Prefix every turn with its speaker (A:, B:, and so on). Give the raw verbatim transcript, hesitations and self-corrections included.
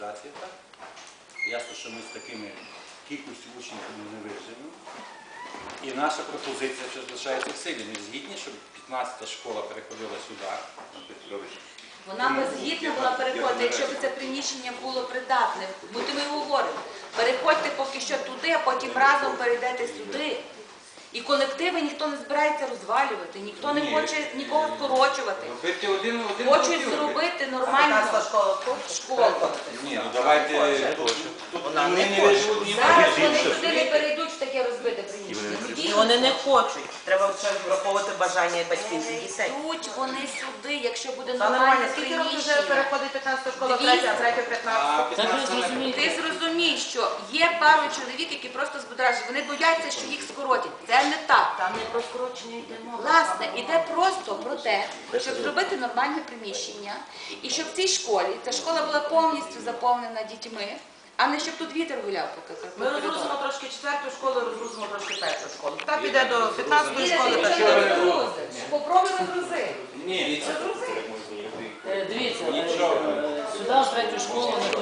A: адміністрації, так? Ясно, що ми з такими кількістю учнів не виживемо. І наша пропозиція ще залишається в силі. Ми згідні, щоб п'ятнадцята школа переходила сюди.
B: Вона би згідна була переходити, якщо б це приміщення було придатне. Бо ми говоримо, переходьте поки що туди, а потім разом перейдете сюди. І колективи ніхто не збирається розвалювати, ніхто не хоче нікого скорочувати. Хочуть зробити нормальну школу.
A: Ні, ну давайте,
C: Вона не
A: не
C: хоче.
A: виживуть.
B: Зараз вони туди не перейдуть в таке розбите приміщення.
C: І вони не хочуть. Треба враховувати бажання батьків і дітей.
B: Йдуть вони сюди, якщо буде
C: Та нормально,
B: нормальне
C: скільки років вже
B: приміщення.
C: переходить п'ятнадцята школа,
B: Двісті.
C: третя, третя, п'ятнадцята?
B: Ти зрозумій, що є пару чоловік, які просто збудражені. Вони бояться, що їх скоротять. Це не так.
C: Там не про скорочення йде мова.
B: Власне, іде просто про те, щоб зробити нормальне приміщення, і щоб в цій школі, ця школа була повністю заповнена дітьми, а не щоб тут вітер гуляв по
C: Ми
B: коридору.
C: розгрузимо трошки четверту школу, розгрузимо трошки першу школу. Так піде до п'ятнадцятої
B: Ні,
C: школи.
B: ти
C: першої.
B: нічого не розгрузиш. Попробуй розгрузи.
A: Ні,
B: Розгрузи.
D: Дивіться, сюди в третю школу